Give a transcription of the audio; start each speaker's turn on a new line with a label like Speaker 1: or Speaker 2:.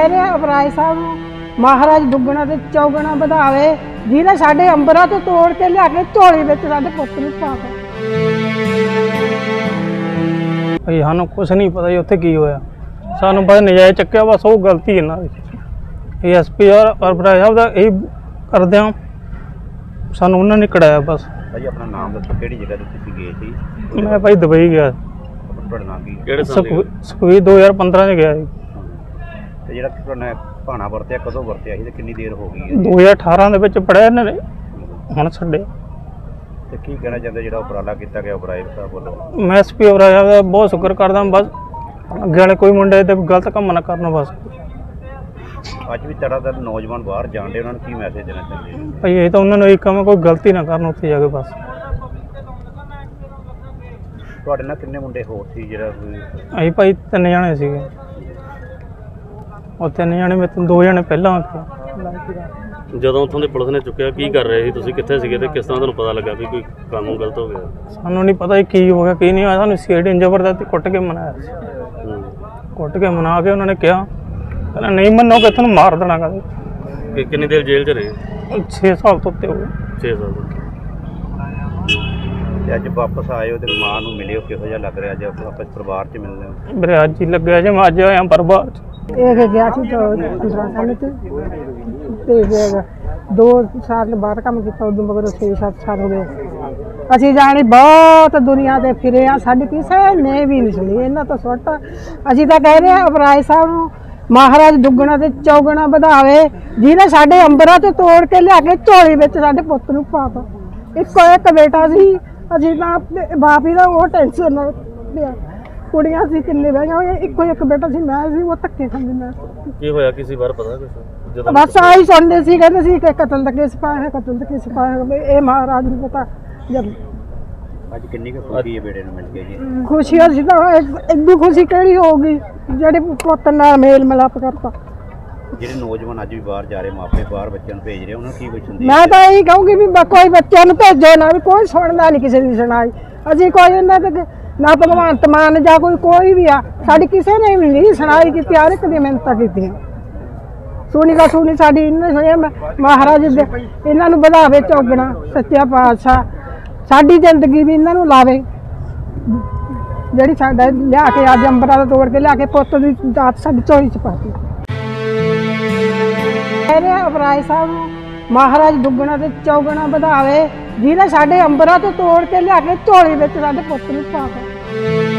Speaker 1: ਕਹਿ ਰਹੇ ਆ ਅਪਰਾਜ ਸਾਹਿਬ ਨੂੰ ਮਹਾਰਾਜ ਦੁੱਗਣਾ ਤੇ ਚੌਗਣਾ ਵਧਾਵੇ, ਜਿਹਨੇ ਸਾਡੇ ਅੰਬਰਾਂ ਤੋਂ ਤੋੜ ਕੇ ਲਿਆ ਕੇ ਝੋਲੀ ਵਿੱਚ ਸਾਡੇ ਪੁੱਤ ਨੂੰ ਪਾਤਾ।
Speaker 2: ਭਈ ਸਾਨੂੰ ਕੁਛ ਨਹੀਂ ਪਤਾ ਜੀ ਉੱਥੇ ਕੀ ਹੋਇਆ, ਸਾਨੂੰ ਬਸ ਨਜਾਇਜ਼ ਚੱਕਿਆ, ਬਸ ਉਹ ਗਲਤੀ ਇਹਨਾਂ ਦੀ। ਐਸਪੀ ਔਰ ਅਪਰਾਜ ਸਾਹਿਬ ਦਾ ਇਹ ਕਰਦੇ ਹਾਂ, ਸਾਨੂੰ ਉਹਨਾਂ ਨੇ ਕਢਾਇਆ ਬਸ।
Speaker 3: ਭਾਈ ਆਪਣਾ ਨਾਮ ਦੱਸੋ, ਕਿਹੜੀ ਜਗ੍ਹਾ ਤੇ ਤੁਸੀਂ ਗਏ ਸੀ?
Speaker 2: ਮੈਂ ਭਾਈ ਦੁਬਈ ਗਿਆ,
Speaker 3: ਤੁਹਾਡਾ ਨਾਮ ਕੀ?
Speaker 2: ਕਿਹੜੇ ਸਾਲ? ਸੁਖਵੀਰ 2015 ਚ ਗਿਆ ਜੀ।
Speaker 3: ਤੇ ਜਿਹੜਾ ਤੁਹਾਡਾ ਭਾਣਾ ਵਰਤਿਆ ਕਦੋਂ ਵਰਤਿਆ ਸੀ ਤੇ ਕਿੰਨੀ ਦੇਰ ਹੋ ਗਈ ਹੈ?
Speaker 2: 2018 ਦੇ ਵਿੱਚ ਪੜਿਆ ਇਹਨਾਂ ਨੇ, ਹੁਣ ਛੱਡੇ।
Speaker 3: ਤੇ ਕੀ ਕਹਿਣਾ ਚਾਹੁੰਦੇ ਜਿਹੜਾ ਉਪਰਾਲਾ ਕੀਤਾ ਗਿਆ ਅਪਰਾਜ ਸਾਹਿਬ ਵੱਲੋਂ?
Speaker 2: ਮੈਂ ਐਸਪੀ ਅਪਰਾਜ ਸਾਹਿਬ ਦਾ ਬਹੁਤ ਸ਼ੁਕਰ ਕਰਦਾ, ਬਸ ਅੱਗੇ ਵਾਲੇ ਕੋਈ ਮੁੰਡੇ ਤੇ ਗਲਤ ਕੰਮ ਨਾ ਕਰਨ ਬਸ।
Speaker 3: ਅੱਜ ਵੀ ਤਰ੍ਹਾਂ ਨੌਜਵਾਨ ਬਾਹਰ ਜਾਣਦੇ, ਉਹਨਾਂ ਨੂੰ ਕੀ ਮੈਸੇਜ ਦੇਣਾ ਚਾਹੁੰਦੇ ਹੋ?
Speaker 2: ਭਾਈ ਇਹ ਤਾਂ ਉਹਨਾਂ ਨੂੰ ਇਹ ਕੰਮ ਕੋਈ ਗਲਤੀ ਨਾ ਕਰਨ ਉੱਥੇ ਜਾ ਕੇ ਬਸ।
Speaker 3: ਤੁਹਾਡੇ ਨਾਲ ਕਿੰਨੇ ਮੁੰਡੇ ਹੋਰ ਸੀ ਜਿਹੜਾ ਕੋਈ?
Speaker 2: ਅਸੀਂ ਭਾਈ 3 ਜਣੇ ਸੀਗੇ, ਉਹ 3 ਜਣੇ ਮੇਰੇ ਤੋਂ 2 ਜਣੇ ਪਹਿਲਾਂ ਆ ਗਏ।
Speaker 4: ਜਦੋਂ ਉੱਥੋਂ ਦੇ ਪੁਲਿਸ ਨੇ ਚੁੱਕਿਆ ਕੀ ਕਰ ਰਹੇ ਸੀ ਤੁਸੀਂ, ਕਿੱਥੇ ਸੀਗੇ ਤੇ ਕਿਸ ਤਰ੍ਹਾਂ ਤੁਹਾਨੂੰ ਪਤਾ ਲੱਗਾ ਵੀ ਕੋਈ ਕਾਨੂੰਨ ਗਲਤ ਹੋ ਗਿਆ?
Speaker 2: ਸਾਨੂੰ ਨਹੀਂ ਪਤਾ ਕੀ ਹੋ ਗਿਆ ਕੀ ਨਹੀਂ ਹੋਇਆ, ਸਾਨੂੰ ਸੀਆਈਡੀ ਜ਼ਬਰਦਸਤੀ ਕੁੱਟ ਕੇ ਮਨਾਇਆ ਸੀ। ਕੁੱਟ ਕੇ ਮਨਾ ਕੇ ਉਹਨਾਂ ਨੇ ਕਿਹਾ ਕਹਿੰਦਾ ਨਹੀਂ ਮੰਨੋਗੇ ਤੁਹਾਨੂੰ ਮਾਰ ਦੇਣਾ। ਕਹਿੰਦੇ
Speaker 4: ਕਿੰਨੀ ਦੇਰ ਜੇਲ੍ਹ 'ਚ ਰਹੇ?
Speaker 2: 6 ਸਾਲ ਤੋਂ ਉੱਤੇ ਹੋ ਗਏ।
Speaker 4: 6 ਸਾਲ ਤੋਂ।
Speaker 3: ਤੇ ਅੱਜ ਵਾਪਸ ਆਏ ਹੋ ਤੇ ਮਾਂ ਨੂੰ ਮਿਲੇ ਹੋ, ਕਿਹੋ ਜਿਹਾ ਲੱਗ ਰਿਹਾ? ਅੱਜ ਆਪਸ ਪਰਿਵਾਰ 'ਚ ਮਿਲਦੇ ਹੋ?
Speaker 2: ਮੇਰੇ ਅੱਜ ਹੀ ਲੱਗਿਆ ਜੇ ਮੈਂ ਅੱਜ ਆਇਆ ਪਰਿਵਾਰ 'ਚ।
Speaker 1: ਇਹ ਗਿਆ ਸੀ ਤਾਂ 15 ਸਾਲ ਤੇ ਫਿਰ 2 ਸਾਲ ਬਾਅਦ ਕੰਮ ਕੀਤਾ, ਉਦੋਂ ਮਗਰ 6-7 ਸਾਲ ਹੋ ਗਏ। ਅਸੀਂ ਜਾਣੀ ਬਹੁਤ ਦੁਨੀਆ ਤੇ ਫਿਰੇ ਆ, ਸਾਡੀ ਕਿਸੇ ਨੇ ਵੀ ਨਹੀਂ ਸੁਣੀ ਇਹਨਾਂ ਤੋਂ ਸੁੱਟ। ਅਸੀਂ ਤਾਂ ਕਹਿ ਰਹੇ ਆ ਅਪਰਾਜ ਸਾਹਿਬ ਨੂੰ ਮਹਾਰਾਜ ਦੁੱਗਣਾ ਤੇ ਚੌਗਣਾ ਵਧਾਵੇ, ਜਿਹਨੇ ਸਾਡੇ ਅੰਬਰਾਂ ਤੋਂ ਤੋੜ ਕੇ ਲਿਆ ਕੇ ਝੋਲੀ ਵਿੱਚ ਸਾਡੇ ਪੁੱਤ ਨੂੰ ਪਾਤਾ। ਇੱਕੋ ਇੱਕ ਬੇਟਾ ਸੀ, ਅਸੀਂ ਤਾਂ ਬਾਪ ਹੀ ਦਾ ਉਹ ਟੈਨਸ਼ਨ ਨਾਲ ਪਿਆ। ਕੁੜੀਆਂ ਸੀ ਕਿੰਨੇ ਬਹਿਆਂ ਹੋਈਆਂ, ਇੱਕੋ ਇੱਕ ਬੇਟਾ ਸੀ, ਮੈਂ ਸੀ, ਉਹ ਧੱਕੇ ਖਾਂਦੀ ਮੈਂ।
Speaker 4: ਕੀ ਹੋਇਆ ਕਿਸੇ ਵਾਰ ਪਤਾ ਕੁਛ? ਜਦੋਂ
Speaker 1: ਬਸ ਆਹੀ ਸੁਣਦੇ ਸੀ, ਕਹਿੰਦੇ ਸੀ ਕਿ ਕਤਲ ਦਾ ਕੇਸ ਪਾਇਆ ਹੈ, ਕਤਲ ਦਾ ਕੇਸ ਪਾਇਆ ਹੈ। ਇਹ ਮਹਾਰਾਜ ਨੂੰ ਪਤਾ। ਜਦ
Speaker 3: ਅੱਜ ਕਿੰਨੀ ਕੁ ਖੁਸ਼ੀ ਹੈ ਬੇੜੇ ਨੂੰ ਮਿਲ ਕੇ ਜੀ?
Speaker 1: ਖੁਸ਼ੀ ਅਸੀਂ ਤਾਂ ਇੰਨੀ ਖੁਸ਼ੀ ਕਿਹੜੀ ਹੋਊਗੀ ਜਿਹੜੇ ਪੁੱਤ ਨਾਲ ਮੇਲ ਮਿਲਾਪ ਕਰਤਾ।
Speaker 3: ਜਿਹੜੇ ਨੌਜਵਾਨ ਅੱਜ ਵੀ ਬਾਹਰ ਜਾ ਰਹੇ, ਮਾਪੇ ਬਾਹਰ ਬੱਚਿਆਂ ਨੂੰ ਭੇਜ ਰਹੇ, ਉਹਨਾਂ ਨੂੰ ਕੀ ਕੁਛ ਹੁੰਦੀ?
Speaker 1: ਮੈਂ ਤਾਂ ਇਹੀ ਕਹੂੰਗੀ ਵੀ ਕੋਈ ਬੱਚਿਆਂ ਨੂੰ ਭੇਜੋ ਨਾ, ਵੀ ਕੋਈ ਸੁਣਦਾ ਨਹੀਂ ਕਿਸੇ ਦੀ ਸੁਣਾਈ। ਅਸੀਂ ਕੋਈ ਇਹਨਾਂ ਤੇ ਨਾ ਭਗਵੰਤ ਮਾਨ ਜਾਂ ਕੋਈ ਵੀ ਆ, ਸਾਡੀ ਕਿਸੇ ਨੇ ਵੀ ਨਹੀਂ ਸੁਣਾਈ ਕੀਤੀ, ਹਰ ਇੱਕ ਦੀ ਮਿਹਨਤਾਂ ਕੀਤੀਆਂ। ਸੁਣੀ ਦਾ ਸੁਣੀ ਸਾਡੀ ਇਹਨੇ ਸੁਣਿਆ। ਮਹਾਰਾਜ ਦੇ ਇਹਨਾਂ ਨੂੰ ਵਧਾਵੇ ਚੌਗਣਾ, ਸੱਚਾ ਪਾਤਸ਼ਾਹ ਸਾਡੀ ਜ਼ਿੰਦਗੀ ਵੀ ਇਹਨਾਂ ਨੂੰ ਲਾਵੇ, ਜਿਹੜੀ ਸਾਡਾ ਲਿਆ ਕੇ ਅੱਜ ਅੰਬਰਾਂ ਦਾ ਤੋੜ ਕੇ ਲਿਆ ਕੇ ਪੁੱਤ ਦੀ ਦਾਤ ਸਾਡੀ ਝੋਲੀ 'ਚ ਪਾਤੀ। ਕਹਿ ਰਹੇ ਆ ਅਪਰਾਜ ਸਾਹਿਬ ਨੂੰ ਮਹਾਰਾਜ ਦੁੱਗਣਾ ਤੇ ਚੌਗਣਾ ਵਧਾਵੇ, ਜਿਹਨੇ ਸਾਡੇ ਅੰਬਰਾਂ ਤੋਂ ਤੋੜ ਕੇ ਲਿਆ ਕੇ ਝੋਲੀ ਵਿੱਚ ਸਾਡੇ ਪੁੱਤ ਨੂੰ ਪਾਤਾ।